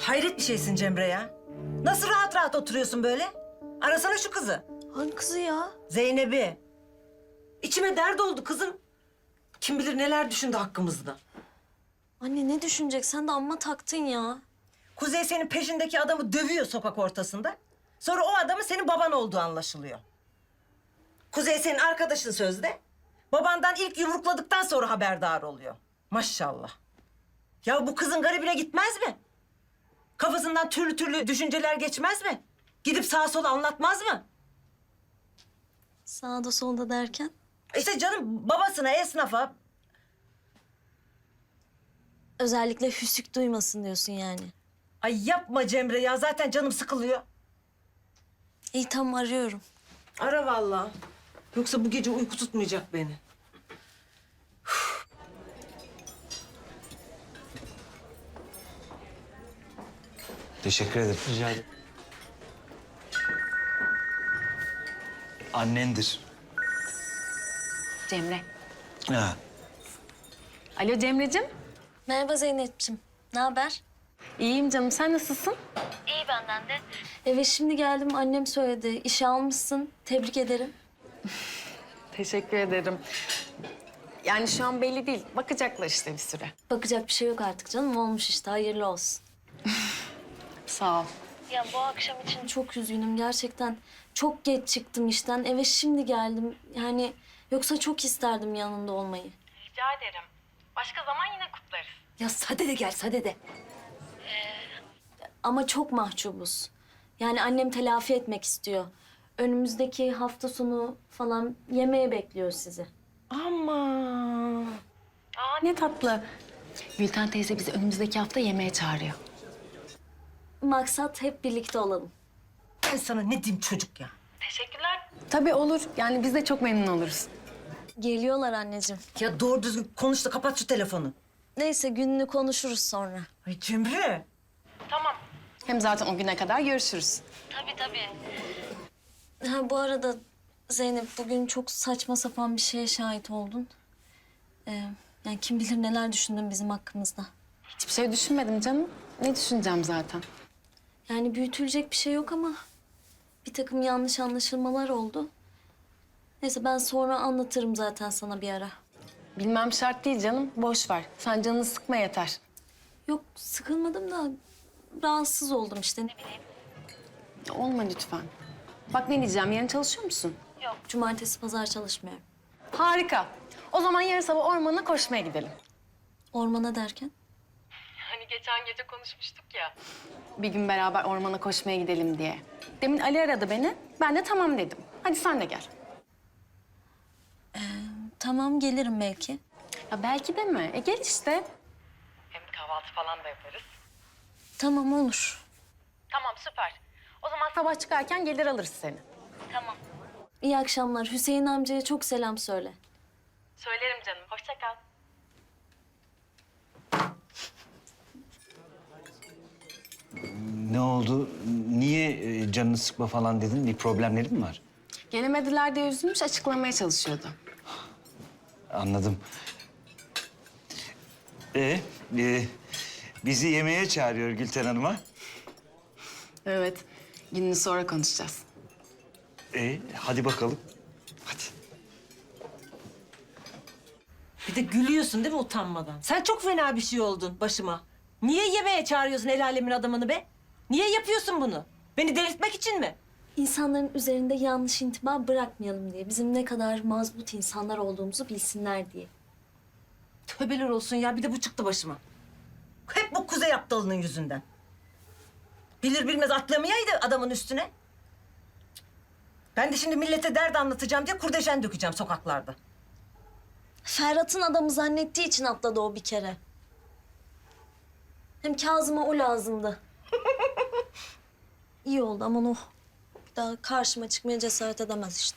Hayret bir şeysin Cemre ya. Nasıl rahat rahat oturuyorsun böyle? Arasana şu kızı. Hangi kızı ya? Zeynep'i. İçime dert oldu kızım. Kim bilir neler düşündü hakkımızda. Anne ne düşünecek? Sen de amma taktın ya. Kuzey senin peşindeki adamı dövüyor sokak ortasında. Sonra o adamın senin baban olduğu anlaşılıyor. Kuzey senin arkadaşın sözde. Babandan ilk yumrukladıktan sonra haberdar oluyor. Maşallah. Ya bu kızın garibine gitmez mi? Kafasından türlü türlü düşünceler geçmez mi? Gidip sağa sola anlatmaz mı? Sağda solda derken? İşte canım babasına, esnafa. Özellikle hüsük duymasın diyorsun yani. Ay yapma Cemre ya, zaten canım sıkılıyor. İyi tamam arıyorum. Ara vallahi. Yoksa bu gece uyku tutmayacak beni. Teşekkür ederim. Rica ederim. Annendir. Cemre. Ha. Alo Cemre'cim. Merhaba Zeynep'ciğim. Ne haber? İyiyim canım. Sen nasılsın? İyi benden de. Eve şimdi geldim. Annem söyledi. İşe almışsın. Tebrik ederim. Teşekkür ederim. Yani şu an belli değil. Bakacaklar işte bir süre. Bakacak bir şey yok artık canım. Olmuş işte. Hayırlı olsun. Sağ ol. Ya bu akşam için çok üzgünüm gerçekten. Çok geç çıktım işten. Eve şimdi geldim. Yani yoksa çok isterdim yanında olmayı. Rica ederim. Başka zaman yine kutlarız. Ya sade de gel sade de. Ama çok mahcubuz. Yani annem telafi etmek istiyor. Önümüzdeki hafta sonu falan yemeğe bekliyor sizi. Ama Aa ne tatlı. Gülten teyze bizi önümüzdeki hafta yemeğe çağırıyor. Maksat hep birlikte olalım. ben sana ne diyeyim çocuk ya? Teşekkürler. Tabii olur. Yani biz de çok memnun oluruz. Geliyorlar anneciğim. Ya doğru düzgün konuş da kapat şu telefonu. Neyse gününü konuşuruz sonra. Ay Cemre. Tamam. Hem zaten o güne kadar görüşürüz. Tabii tabii. Ha bu arada Zeynep bugün çok saçma sapan bir şeye şahit oldun. Yani kim bilir neler düşündün bizim hakkımızda. Hiçbir şey düşünmedim canım. Ne düşüneceğim zaten? Yani büyütülecek bir şey yok ama bir takım yanlış anlaşılmalar oldu. Neyse ben sonra anlatırım zaten sana bir ara. Bilmem şart değil canım. Boş ver. Sen canını sıkma yeter. Yok sıkılmadım da rahatsız oldum işte ne bileyim. Olma lütfen. Bak ne diyeceğim. Yarın çalışıyor musun? Cumartesi pazar çalışmıyorum. Harika. O zaman yarın sabah ormana koşmaya gidelim. Ormana derken? Hani geçen gece konuşmuştuk ya. Bir gün beraber ormana koşmaya gidelim diye. Demin Ali aradı beni. Ben de tamam dedim. Hadi sen de gel. Tamam gelirim belki. Ya belki de mi? Gel işte. Hem kahvaltı falan da yaparız. Tamam olur. Tamam süper. O zaman Sabah çıkarken gelir alırız seni. tamam. İyi akşamlar. Hüseyin amcaya çok selam söyle. Söylerim canım. Hoşça kal. Ne oldu? Niye canını sıkma falan dedin? Bir problemleri mi var? Gelemediler diye üzülmüş, açıklamaya çalışıyordu. Anladım. Ee, e, bizi yemeğe çağırıyor Gülten Hanım'a. Evet, gününü sonra konuşacağız. Hadi bakalım. Hadi. Bir de gülüyorsun değil mi utanmadan? Sen çok fena bir şey oldun başıma. Niye yemeğe çağırıyorsun el alemin adamını be? Niye yapıyorsun bunu? Beni delirtmek için mi? İnsanların üzerinde yanlış intiba bırakmayalım diye. Bizim ne kadar mazbut insanlar olduğumuzu bilsinler diye. Tövbeler olsun ya, bir de bu çıktı başıma. Hep bu Kuzey aptalının yüzünden. Bilir bilmez atlamayaydı adamın üstüne. Ben de şimdi millete dert anlatacağım diye kurdeşen dökeceğim sokaklarda. Ferhat'ın adamı zannettiği için atladı o bir kere. Hem Kazım'a o lazımdı. İyi oldu aman oh. Bir daha karşıma çıkmaya cesaret edemez işte.